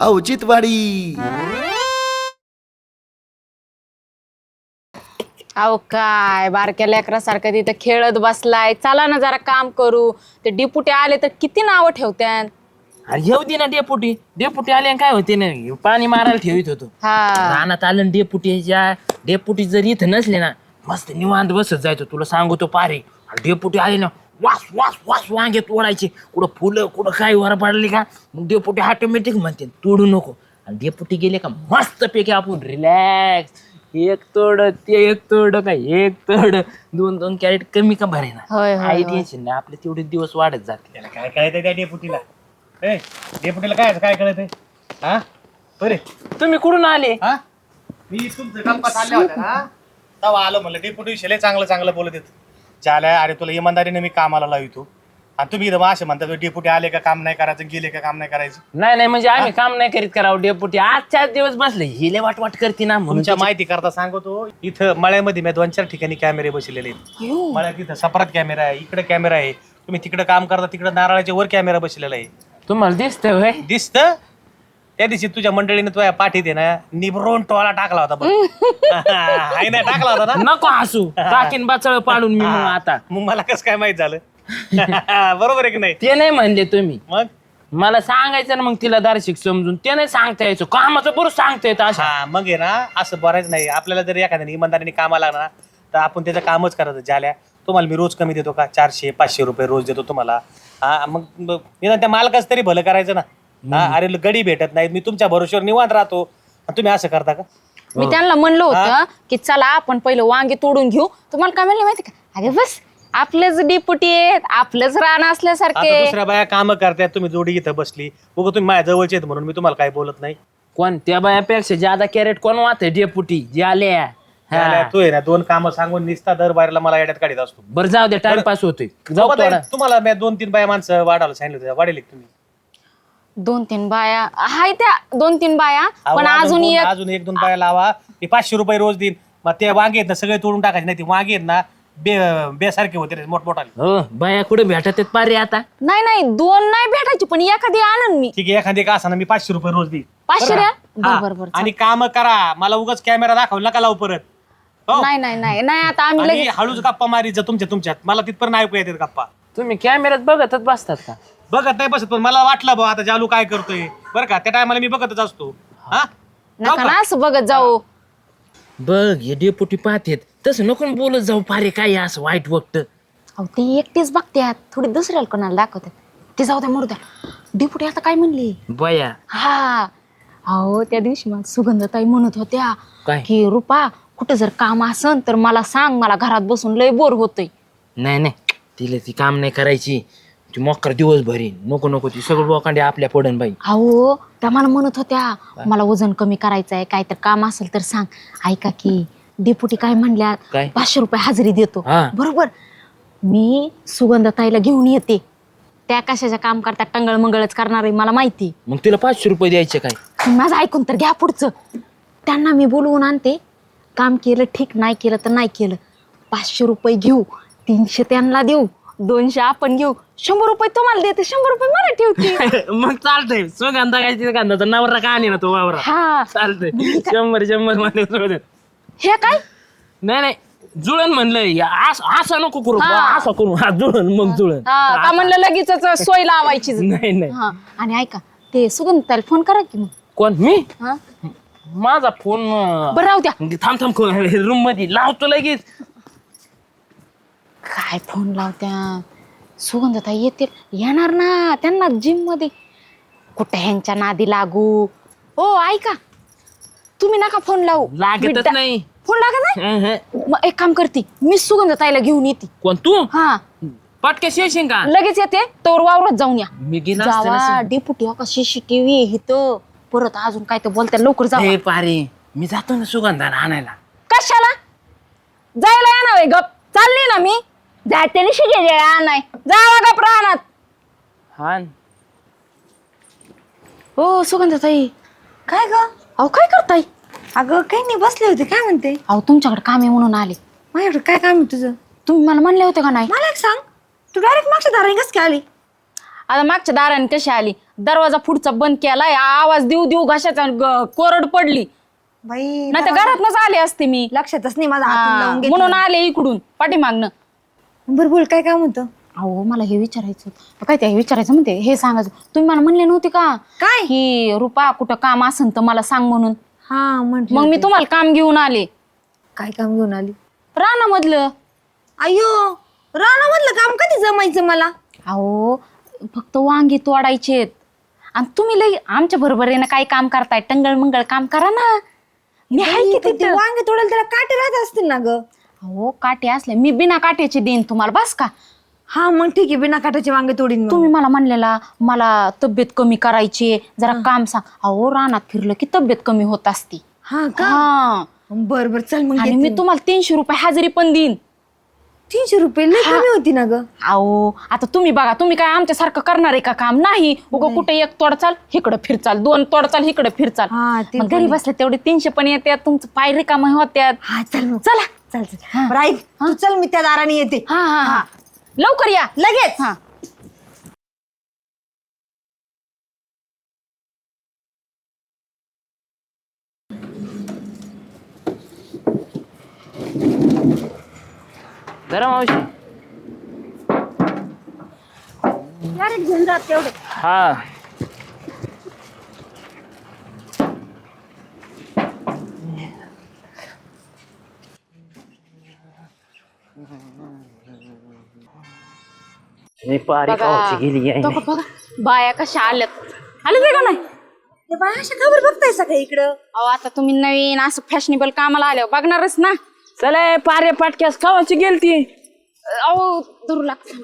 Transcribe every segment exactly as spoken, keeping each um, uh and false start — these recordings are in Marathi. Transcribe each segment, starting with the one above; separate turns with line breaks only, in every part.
औचित्यवाडी.
अहो काय बारक्या लेकरासारखं तिथं खेळत बसलाय. चला ना जरा काम करू. ते डिपुटे आले तर किती नावं ठेवत्यान.
अरे येऊ दे ना डेपुटी. डेपुटी आले काय होते ना, पाणी मारायला ठेवित होतो.
हा
रानात आलं डेपुटीच्या. डेपुटी जर इथं नसले ना, मस्त निवांत बसत जायचं. तुला सांगतो पारे. डेपुटी आले ना, वास वास वास वांगे तोडायचे. कुठं फुलं कुठं काय वर पडले का, मग डेपुटी ऑटोमॅटिक म्हणते तोडू नको. आणि डेपुटी गेले का मस्त पैकी आपण रिलॅक्स. एक तोड ते एक तोड काय एक तोड दोन दोन कॅरेट कमी का भरे ना.
होय, होय,
काही
होय.
टेन्शन नाही. आपले तेवढे दिवस वाढत जाते.
त्याला काय कळत त्या डेपुटीला? ए डेपुटीला काय काय कळत आहे? हा बरे
तुम्ही कुठून आले?
हा मी तुमचं गप्पा चालल्या होत्या ना, तेव्हा आलो म्हणलं डेपुटी विषय चांगलं चांगलं बोलत येत. चाल्या अरे तुला इमानदारीने मी कामाला लावितो आणि तुम्ही इथं असं म्हणता डेपुटी आले का काम नाही करायचं, गेले का काम नाही करायचं.
नाही नाही म्हणजे आम्ही काम नाही करीत करावं. डेपुटी आज चार दिवस बसले हिले वाट वाट करते ना म्हणून.
तुमच्या माहिती करता सांगतो, इथं मळ्यामध्ये मी दोन चार ठिकाणी कॅमेरे बसलेले आहेत. मळ्यात इथं सपरात कॅमेरा आहे, इकडे कॅमेरा आहे. तुम्ही तिकडे काम करता तिकडे नारळाच्या वर कॅमेरा बसलेला आहे.
तुम्हाला दिसतंय होय?
दिसत त्या दिवशी तुझ्या मंडळीने तुझ्या पाठीत आहे ना निभरून टोळा टाकला होता बघ. हाय ना टाकला होता ना.
नको हसू. टाकीन बाचळ पाडून मी मग आता.
मग मला कसं काय माहित झालं? बरोबर आहे की नाही?
ते नाही म्हणले तुम्ही.
मग
मला सांगायचं ना मग तिला दार्शिक समजून. ते नाही सांगता यायचं. कामाचं बरोबर सांगता येतं अशा.
हा मग आहे ना असं बरायच नाही. आपल्याला जर एखाद्याने इमानदारीने कामाला लागला ना तर आपण त्याचं कामच करायचं. झाल्या तुम्हाला मी रोज कमी देतो का? चारशे पाचशे रुपये रोज देतो तुम्हाला. हा मग मग निदान त्या मालकाच तरी भलं करायचं ना. हा अरे गडी भेटत नाहीत, मी तुमच्या भरोश्यावर निवांत राहतो आणि तुम्ही असं करता का?
मी त्यांना म्हणलं होतं की चला आपण पहिलं वांगे तोडून घेऊ. तुम्हाला काय म्हणले माहिती का? अरे बस आपलेच डिपुटी आहेत, आपलंच रान
आता
असल्यासारखे.
दुसऱ्या बाया कामं करतायत, तुम्ही जोडी इथं बसली. बघा तुम्ही माझ्या जवळचे आहेत म्हणून मी तुम्हाला काही बोलत नाही.
कोण त्या बायापेक्षा ज्यादा कॅरेट कोण वाहते? डेपुटी जे आल्या.
झाल्या, तू आहे ना दोन कामं सांगून निसता दर बाहेरला मला येड्यात काढीत असतो.
बरं जाऊ दे, टाइमपास होतोय. जाऊ
बाबा,
थोडा.
तुम्हाला मी दोन तीन बाया माणसं वाढायला सांगितलं होतं. वाढेल का तुम्ही?
दोन तीन बाया हाय त्या दोन तीन बाया
अहो,
पण
अजून
अजून
दोन-
एक
अजून एक दोन बाया लावा. मी पाचशे रुपये रोज देईन. मग ते वांगे आहेत ना सगळे तोडून टाकायचे. नाही ते वांगे आहेत ना बे बेसारखे होते रे, मोठमोठाले.
हो बाया कुठे भेटत आहेत पारे आता?
नाही नाही दोन नाही भेटायची पण एखादी आणन मी.
ठीक आहे एखादी का असं मी पाचशे रुपये रोज देईन.
पाचशे
बरं
द्या.
का? हा.
बरं, बरं,
आणि काम करा. मला उगाच कॅमेरा दाखवला नका लावू परत. हो?
नाही नाही नाही नाही आता आम्ही
आणि
लगेच
हळूच गप्पा मारीत जा तुमच्या तुमच्यात. मला तिथपर्यंत ऐकू येतात गप्पा.
तुम्ही कॅमेऱ्यात बघतच बसतात का?
बघत नाही बसत पण मला वाटलं बा आता जालू काय करतोय बरं का. त्या टायमाला मी बघतच असतो. हा जाऊ
नका
का?
ना असं बघत जाऊ.
बघ हे डेपुटी पाहतेत. तसं नको ना बोलत जाऊ पारे. काय असं वाईट वक्त.
अहो ते एकटेच बघतात, थोडी दुसऱ्याला कोणाला दाखवतात. ते जाऊ द्या मरू द्या. डिपुटी आता काय म्हणली?
बया
हा अहो त्या दिवशी मला सुगंधताई म्हणत होत्या
काय?
की रुपा कुठं जर काम असन तर मला सांग, मला घरात बसून लय बोर होतंय.
नाही नाही तिला ती काम नाही करायची. ती मोकर दिवस भरी नको नको. ती सगळं लोकांडे आपल्या पडन बाई.
अहो त्या मला म्हणत होत्या मला वजन कमी करायचं आहे, काय तर काम असेल तर सांग. ऐका की डिपुटी काय म्हणल्या,
काय?
पाचशे रुपये हजेरी देतो.
हा.
बरोबर. मी सुगंधताईला घेऊन येते. त्या कशाच्या काम करतात, टंगळ मंगळच करणार आहे मला माहिती.
मग तिला पाचशे रुपये द्यायचे काय?
माझं ऐकून तर घ्या पुढचं. त्यांना मी बोलवून आणते. काम केलं ठीक, नाही केलं तर नाही केलं. पाचशे रुपये घेऊ, तीनशे त्यांना देऊ, दोनशे आपण घेऊ, शंभर रुपये तुम्हाला देते, शंभर रुपये मला ठेवते.
मग चालतंय. सुगंधा काय तिथे कांदा नवरा का आणि ना तो वावरा.
हा
चालतंय. शंभर शंभर मध्ये सोडत.
हे काय
नाही नाही जुळण म्हणलंय. असं असं नको करू.
हा.
असं करू. हा जुळण मग जुळण.
हा, का म्हणलं लगेच सोय लावायची.
नाही नाही.
हा आणि ऐका ते सुगंधताईला फोन करा की मग.
कोण? मी?
हा
माझा फोन
बरं राहू द्या.
थांब थांब रूम मध्ये लावतो लगेच.
काय फोन लावत्या? सुगंधताई येतील, येणार ना. त्यांना जिम मध्ये कुठे ह्यांच्या नादी लागू. हो ऐका तुम्ही नका फोन लावू.
लागतच
मी डा-
नाही.
फोन लागत नाही.
हं, हं.
मग एक काम करते मी, सुगंधताईला घेऊन येते.
कोण तू?
हा
पटक्यास येशील का?
लगेच येते. तोवर वावरात जाऊन या.
मी गेला असते
जावा
ना.
डेपुटी हो का सीसीटीव्ही इथं. परत अजून काय तर बोलता, लवकर जावा.
हे पारे मी जातो ना सुगंधाला आणायला.
कशाला जायला येणार आहे? गप चालली ना मी. जाते शिके नाही जावा गप राहणार.
हा
हो सुगंधताई.
काय ग?
अहो काय करताय?
अगं काही नाही, बसले होते. काय म्हणते?
अहो तुमच्याकडे काम आहे म्हणून आले.
माझ्याकडे काय काम आहे तुझं?
तुम्ही मला म्हणले होते का नाही?
मला एक सांग, तू डायरेक्ट मागच्या दाराने कसं काय आली?
आता मागच्या दाराने कशी आली, दरवाजा पुढचा बंद केलाय, आवाज देऊ देऊ घशाचा ग- कोरड पडली.
बाई
नाही तर घरातनच आले असते मी.
लक्षातच नाही माझा हात
हा,
लावून
म्हणून
घेतला.
आले इकडून पाठीमागनं.
बरं बोल काय काम होतं?
अहो मला हे विचारायचं होतं. काय ते विचारायचं म्हणते, हे सांगायचं. तुम्ही मला म्हणले नव्हते का
काय?
की रुपा कुठं काम असन तर मला सांग म्हणून.
हा म्हटलं
मग मी
होते.
तुम्हाला काम घेऊन आले
काय काम घेऊन आली?
रानामधलं.
अयो रानामधलं काम कधी जमायचं मला?
अहो फक्त वांगी तोडायचेत आणि तुम्ही लई आमच्या बरोबर आहे ना, काही काम करताय, टंगळ मंगळ काम करा ना. मी आहे की
पण ते
तिथं.
वांगे तोडायला त्याला काटे राहत असतील ना ग?
अहो काटे असले, मी बिना काट्याचे देईन तुम्हाला, बस का.
हा मग ठीक आहे, बिना काटाचे वांगे तोडीन मग.
तुम्ही मला म्हणलेला मला तब्येत कमी करायची, जरा काम सांग. अहो रानात फिरलं की तब्येत कमी होत असती.
हा का?
हा
बर बर चल मग
आणि
येते
मी
मी.
तुम्हाला तीनशे रुपये हजेरी पण देईन.
तीनशे रुपये लय कमी होती ना ग?
अहो आता तुम्ही बघा, तुम्ही काय आमच्यासारखं करणार आहे का काम? नाही. उगं कुठे एक तोडचाल इकडं फिरचाल, दोन तोडचाल इकडं फिरचाल.
हा, ते
मग
पण
घरी
आहे.
बसले तेवढे तीनशे पण येतात, तुमचं पाय रिकामं होत्यात.
हा चल मग
चला.
चल चल बरं ऐक, तू चल मी त्या दाराने येते.
हा हा हा लवकर या
लगेच.
हा.
जरा मावशी.
घेऊन जात तेवढे.
हा मी पारी
बघा.
गावाची गेली आहे.
बघा, बघा. बाया कशा आल्यात, आले ते का नाही?
ते बाय अशा खबर बघताय सगळं इकडं.
अहो आता तुम्ही नवीन असं फॅशनेबल कामाला आल्यावर बघणारच ना.
चला पारे पाटक्यास गावाची गेलती.
अहो धरू लागत.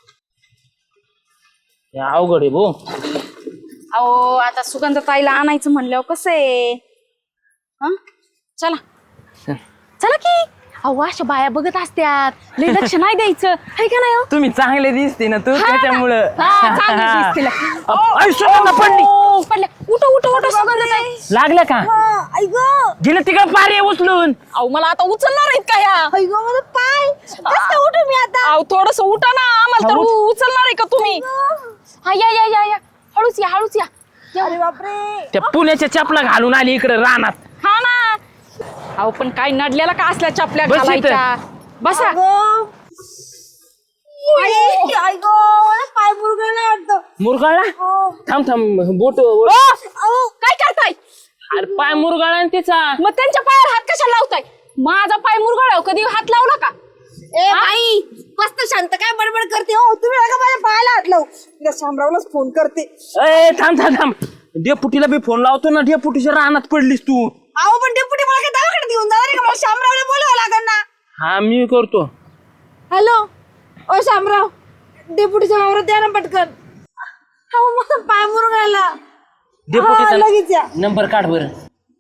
अवघड आहे भो.
अहो आता सुगंध ताईला आणायचं म्हणल्यावर कसं आहे. हं? चला चला की. अहो अशा बाया बघत असत्यात, लय लक्ष नाही द्यायचं आहे का नाही हो?
तुम्ही चांगले दिसते ना तू,
हा ना.
त्याच्यामुळं.
हा, चांगली दिसते.
अ- आई, सुगंध पडली.
ओ, पडल्या. उठो उठो उठो सुगंध ताई.
लागलं का?
ऐक
गेलं तिकडे पारे उचलून.
अहो मला आता उचलणार आहेत का ह्या?
ऐक माझा पाय कसं उठू मी आता?
अहो थोडस उठा ना, आम्हाला तर उ- उचलणार आहे का तुम्ही? हा या या या या हळूच या हळूच या.
अरे बापरे.
त्या पुण्याच्या चपला घालून आली इकडे रानात.
हा ना. अहो पण काय नडलेला का असल्या चपल्या
बस इथं.
घालायच्या? बसा.
अगं. आई, आई गं, मला पाय मुरगळला वाटतं.
मुरगाळा. थांब थांब बोट.
ओ, अहो, काय करताय?
अरे पाय मुरगाळा आणि तिचा.
मग त्यांच्या पायावर हात कशाला लावताय? माझा पाय मुरगळाव कधी हात लावला का?
ए बाई मस्त शांत काय बडबड करते हो तुम्ही? नका माझ्या पायाला हात लावू. मी शामरावलाच फोन करते.
ए थांब थांब थांब. डेपुटीला बी फोन लावतो ना, डेपुटीच्या रानात पडलीस तू.
अहो पण डेपुटी मला काय दवाखान्यात घेऊन जाणार आहे का? मला शामरावला बोलावं लागेल ना.
हा मी करतो.
हॅलो ओ शामराव, डेपुटीच्या वावरात द्या ना पटकन. अहो माझा पाय मुरगळला. हा, लगेच या.
डेपुटीचा नंबर काढ बरं.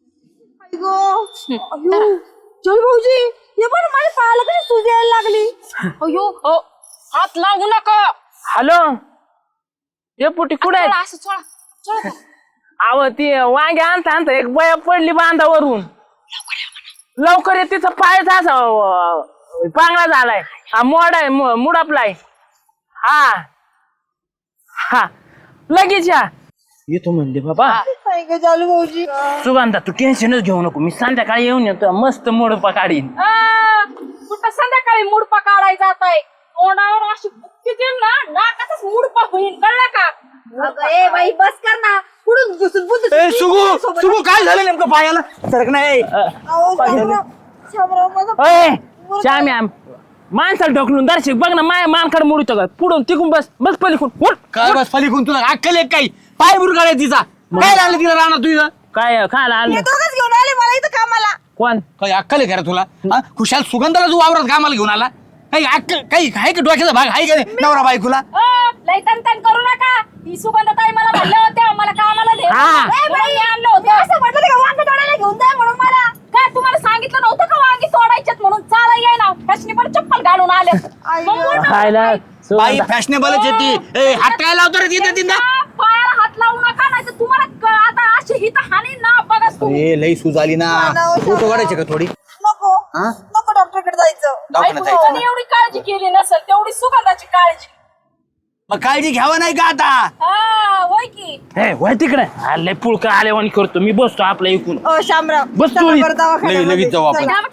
चल भाऊजी हे पण माझ्या पायाला कशी सूज यायला लागली.
अयो अहो, हात लावू नका.
हॅलो डेपुटी कुठे आहेत?
चला, असं चला, चला.
अव ती वांगे आणता आणता एक बया पडली बांधावरून. लवकर ये, तिचा पायच असा अं, पांगळा झालाय. हा मोड आहे, मु- मुडापलाय. हा हा लगेच या. येतो म्हणले बाबा.
काय ग चालू भाऊजी?
सुगंधा तू टेन्शनच घेऊ नको, मी संध्याकाळी येऊन येतो, मस्त मोडपा काढीन.
आ, कुठं संध्याकाळी मुडपा काढायचा जाताय? तोंडावर अशी बुक्की देईल ना, नाकातच मुडपा होईल, कळलं का?
अगं ए बाई बस कर ना. पुढून घुसून बुद्ध.
ए सुगू सुगू काय झालं नेमकं पायाला? सरक नाही.
अहो शामराव, शामराव माझा
अय श्याम्या, माणसाला ढकलून दर्शक बघ ना, माया मानखड मोडतो का? पुढून तिकून बस बस पलीकडून उठ.
काय बस पलीकडून तुला अक्कल एक काही पाय बुरगाळ तिचा. काय लागलं तिला राहणार तुझं?
काय खायला
हे
आलं?
दोघंच घेऊन आले मला इथं कामाला.
कोण?
काही अक्कल आहे का रे तुला? हा? खुशाल सुगंधाला तू वावरात कामाला घेऊन आला? काही अक्कल काही आहे का डोक्याचा भाग आहे का रे नवरा बायकोला?
अ, लय तन करू नका. ही सुगंधताई मला म्हणल्या होत्या मला कामाला दे.
हा.
ए, बाई, आणलं होतं.
असं म्हटलं का वांगे तोडायला घेऊन जाय म्हणून मला?
काय तुम्हाला सांगितलं नव्हतं का वांगी तोडायच्यात म्हणून? चाला येई ना, फॅशनी पण चप्पल घालून आले. मग मोठं
खायला
काय?
बाई फॅशनेबलच येते. ए हात काय लावतो रे तिथं तिथं?
त्या पायाला हात लावू नका, नाही तर तुम्हाला क- आता अशी इथं हानी ना बघा तुम्ही.
ए लई सूज आली ना. फोटो काढायचे का थोडी?
नको
हा?
नको डॉक्टरकडे जायचं.
दवाखान्यात
ऐकून
जायचं.
एवढी काळजी केली नसेल तेवढी सुगंधाची काळजी.
मग काळजी घ्यावं नाही का आता?
हा होय की.
हे वय तिकडे आले पुळका आलेवानी करतो मी बसतो आपल्या इकून
ओ शामराव
बस तू
चला
इथं.
बरं दवाखान्यामध्ये.
लगेच लगेच जाऊ आपण.
चला.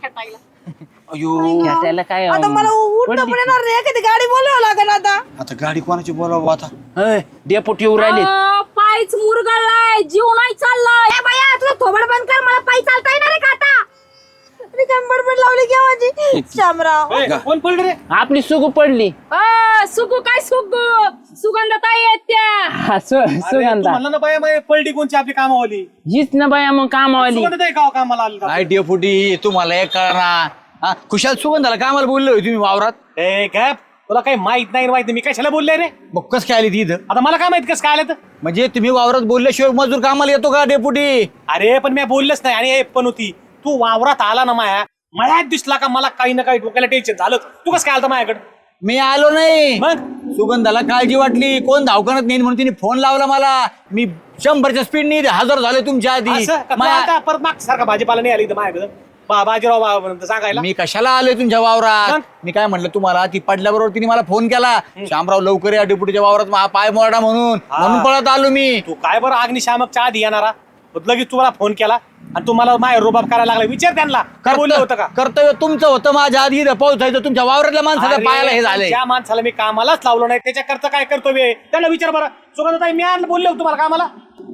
अयो
त्याला काय
आता मला उठणं पण येणार नाही एखादी गाडी बोलावं लागेल आता.
आता गाडी कोणाची बोलावं आता?
डेपुटी येऊ राहिले
अं, पायच मुरगळलाय जीव नाही चाललाय. ए बाया तुला थोबड बंद कर मला पायी चालता येणार आहे का आता? मी काय बडबड लावली की माझी शामराव.
ए, कोण पडलं रे?
आपली सुगू पडली
अं, सुगू काय सुगू सुगंधताई आहेत त्या.
हा, सु-
अरे, तू
सुगंधा
म्हणला ना बाया बाया पलटी कोणची आपली कामावाली
हीच ना बाया मग कामावाली
सुगंधताई का कामाला आली का?
काय डेपुटी तुम्हाला एक कळणार हा खुशाल सुगंधाला कामाला बोललो होय तुम्ही वावरात.
ए काय तुला काही माहित नाही माहित नाही मी कशाला बोलले रे?
मग कस काय आली ती इथं?
आता मला काय माहित कसं काय आलं तर?
म्हणजे तुम्ही वावरात बोलल्याशिवाय मजूर कामाला येतो का डेपुटी?
अरे पण मी बोललेच नाही आणि हे पण होती तू वावरात आला ना माया मळ्यात दिसला का मला काही ना काही डोक्याला टेन्शन झालं. तू कसं काय आलता माझ्याकडे?
मी आलो नाही.
मग
सुगंधाला काळजी वाटली कोण धावकणत नाही म्हणून तिने फोन लावला मला. मी शंभरच्या स्पीड नाही हजर झाले तुमच्या आधी.
असं का? तू
माया-
आता परत माग सारखा भाजीपाला नाही आली इथं माझ्याकडे बा बाजीराव बा- सांगायला
मी कशाला आलोय तुमच्या वावरात?
मग?
मी काय म्हटलं तुम्हाला ती पडल्याबरोबर तिने मला फोन केला शामराव लवकर या डेपुटीच्या वावरात मा- पाय मोडा म्हणून म्हणून पळत आलो मी.
तू काय बरं अग्निशामकच्या आधी येणारा लगेच तुम्हाला फोन केला आणि तुम्हाला माय रोबाब करायला लागला. विचार त्यांना काय बोललं होतं का?
कर्तव्य तुमचं होतं माझ्या आधी इथं पावसायचं तुमच्या वावरातल्या माणसाच्या
अरे,
पायाला हे झालंय.
ज्या माणसाला मी कामालाच लावलो नाही त्याच्या करता काय कर्तव्य त्यांना विचार बरं. सुगंधताई मी आणलं बोलले होते तुम्हाला कामाला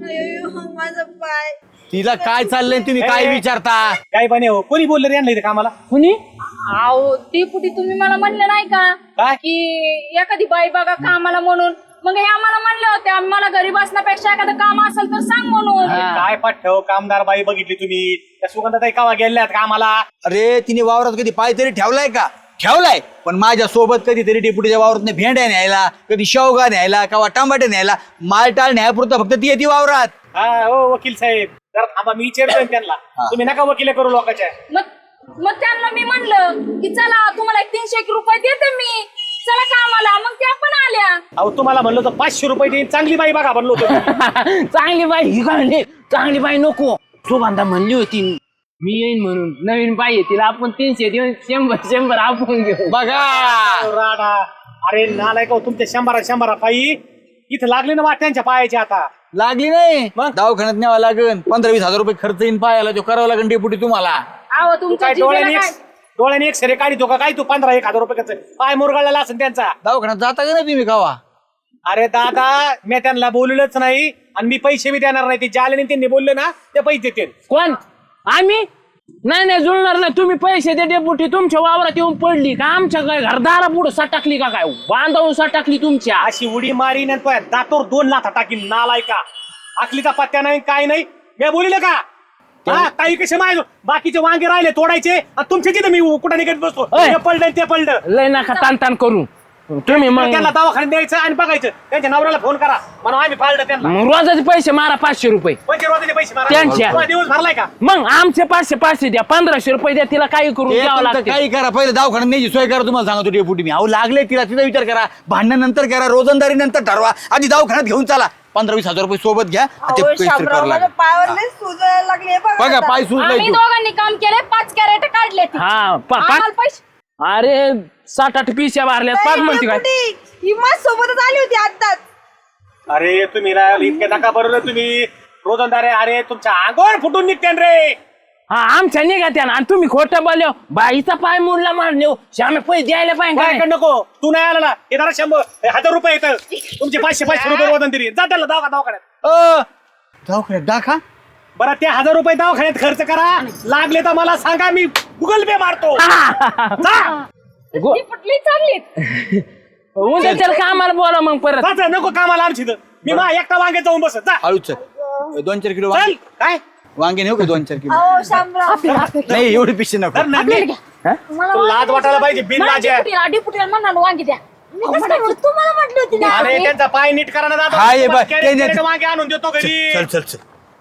माझा पाय.
तिला काय चाललंय तुम्ही काय
ए,
विचारता?
काय बने हो कोणी बोलले रे आणलं इथे कामाला?
कुणी
अहो ती कुठे तुम्ही मला म्हणलं नाही का
काय?
की एखादी बाई बघा कामाला म्हणून. मग हे आम्हाला म्हणले होते मला घरी बसण्यापेक्षा एखादं काम असेल तर सांग म्हणून.
काय पाठव कामदार बाई बघितली तुम्ही त्या सुगंधताई कावा गेल्यात कामाला?
अरे तिने वावरात कधी पाय तरी ठेवलाय का? ठेवलाय पण माझ्या सोबत कधीतरी डेपुटीच्या वावरात भेंड्या न्यायला कधी शेवगा न्यायला किंवा टमाटे न्यायला मालटाळ न्यायपुरतं फक्त ती येते वावरात.
हा हो वकील साहेब जरा थांबा मी विचारतोय त्यांना तुम्ही नका वकिले करू लोकांच्या.
मग मग त्यांना मी म्हणलं की चला तुम्हाला एक तीनशे एक रुपये देते मी चला कामाला. मग त्या पण आल्या.
अहो तुम्हाला म्हणलं तर पाचशे रुपये देईन चांगली बाई बघा म्हणलो होतो तुम्ही.
चांगली बाई ही काय म्हणली चांगली बाई नको सुगंधा म्हणली होती मी येईन म्हणून नवीन बाई आहे तिला आपण तीनशे देऊन शंभर शंभर आपण घेऊ
बघा
राडा अरे नालाय का तुमच्या शंभरा शंभरा पायी इथं लागले ना वाट्यांच्या पायाच्या आता.
लागली नाही
मग?
दवाखान्यात न्यावा लागेल पंधरा वीस हजार रुपये खर्च येईन पायाला तो करावा लागेल डेपुटी तुम्हाला.
अहो
तू
तुमच्या
काय
जिभेला
डोळ्याने एक
काय
डोळ्याने एक सरे काढितो का काय तू पंधरा एक हजार रुपये खर्च पाय मुरगाळलेला असेल त्यांचा.
दवाखान्यात जाता का नाही तुम्ही कावा?
अरे दादा मी त्यांना बोललोच नाही आणि मी पैसे बी देणार नाही. ते ज्याला त्यांनी बोलले ना ते पैसे देते.
कोण आम्ही नाही नाही जुळणार नाही तुम्ही पैसे दे डेपुटी तुमच्या वावरात येऊन पडली का आमच्या काय घरदारा पुढे सटकली का काय बांधावून सटकली तुमच्या
अशी उडी मारी दातोर दोन लाथा टाकील नालाय का आखलीचा पत्त्या नाही काय नाही मी बोलिले का हा काही कसे माय बाकीचे वांगे राहिले तोडायचे आणि तुमचे तिथे मी कुठं निघत बसतो
ओय.
हे पडलं ते पडलं.
लय नका ताण ताण करू तुम्ही मग
त्यांना दवाखान्यात द्यायचं आणि बघायचं त्यांच्या नवऱ्याला फोन करा म्हणून आम्ही फाळलं त्यांना.
मग रोजाचे पैसे मारा पाचशे रुपये
पंचे रोजाचे पैसे मारा.
त्यांच्या.
तुला दिवस भरलाय का?
मग आमचे पाचशे पाचशे द्या पंधराशे रुपये द्या तिला काही करून
ते
द्यावं
तुमचं
लागतं
काही करा पहिले दवाखान्यात न्यायची सोय करा तुम्हाला सांगतो डेपुटी मी. अहो लागले तिला तिचा विचार करा भांडण नंतर करा रोजंदारी नंतर ठरवा आधी दवाखान्यात घेऊन चला पंधरा वीस हजार रुपये सोबत घ्या आणि ते
अहो,
पैसे
शामराव,
करावं
माझ्या
लागेल.
पायावर लय सुजायला लागले बघा
बघा
आता.
पाय सुजलाय
आम्ही
तो.
दोघांनी काम केले पाच कॅरेट काढले ती.
हा पा-
आम्हाला
पाच
पैसे
अरे सात आठ पिशा मारल्यात पाच म्हणते काय
ही माझ सोबतच आली होती आताच.
अरे तुम्ही ना इतके नका बरोबर तुम्ही रोजंदारे अरे तुमच्या अंगावर फुटून निघते रे.
हा आमच्या निघा त्या आणि तुम्ही खोटं बोललो बाईचा पाय मोडला मारलो श्यामे पैसे द्यायला पाहिजे
काय
काय?
नको तू नाही आला ना हे जरा शंभर हे हजार रुपये येतं तुमचे पाचशे पाचशे रुपये वजन तरी जा त्याला दवाखा दवाखान्यात.
अ, दवाखान्यात दाखा
बरं ते हजार रुपये दवाखान्यात खर्च करा लागले तर मला सांगा मी गुगल पे मारतो. जा.
गो-
ती पटली चांगली.
उद्या त्याला कामाला बोला मग परत
जा, जा, नको कामाला आमची इथं. मी मा एकटा वांगे जाऊन बसत जा
हळूच दोन चार किलो
चल
वांगे
काय
वांगे नेऊ का दोन चार किलो?
अहो शामराव
नाही एवढी पिशे नको.
तर नाही, नाही.
मला
तो लाज वाटायला पाहिजे बिन लाज आहे.
डिपुटीला डिपुटीला म्हणणार वांगी द्या. मी कसं काय म्हणू? तुम्हाला म्हटली होती ना.
अरे त्यांचा पाय नीट करा ना दादा.
हा, ये बाय.
कॅरेट-
ते-
कॅरेट वांगे आणून देतो घरी.
चल चल चल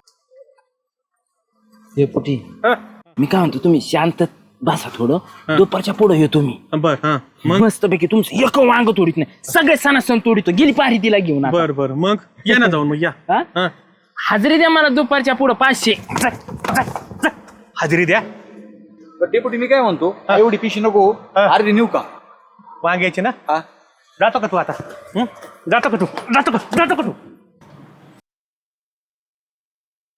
डेपुटी
हं,
मी काय म्हणतो तुम्ही शांत बसा थोडं दुपारच्या पुढे येतो मी
बर हा
मस्त पैकी तुमचं एक वांग तोडीत नाही सगळे सणा सण तोडीतो गेली पारी तिला घेऊन आता.
बर बर मग या ना जाऊन मग या
हा?
हा.
हाजरी द्या मला दुपारच्या पुढं पाचशे
हजेरी द्या
डेपुटी मी काय म्हणतो एवढी पिशी नको
हा.
अर्धी नेऊ का?
वांग्याची ना
हा
जातो का तू आता हं? जातो का तू जातो का जातो का तू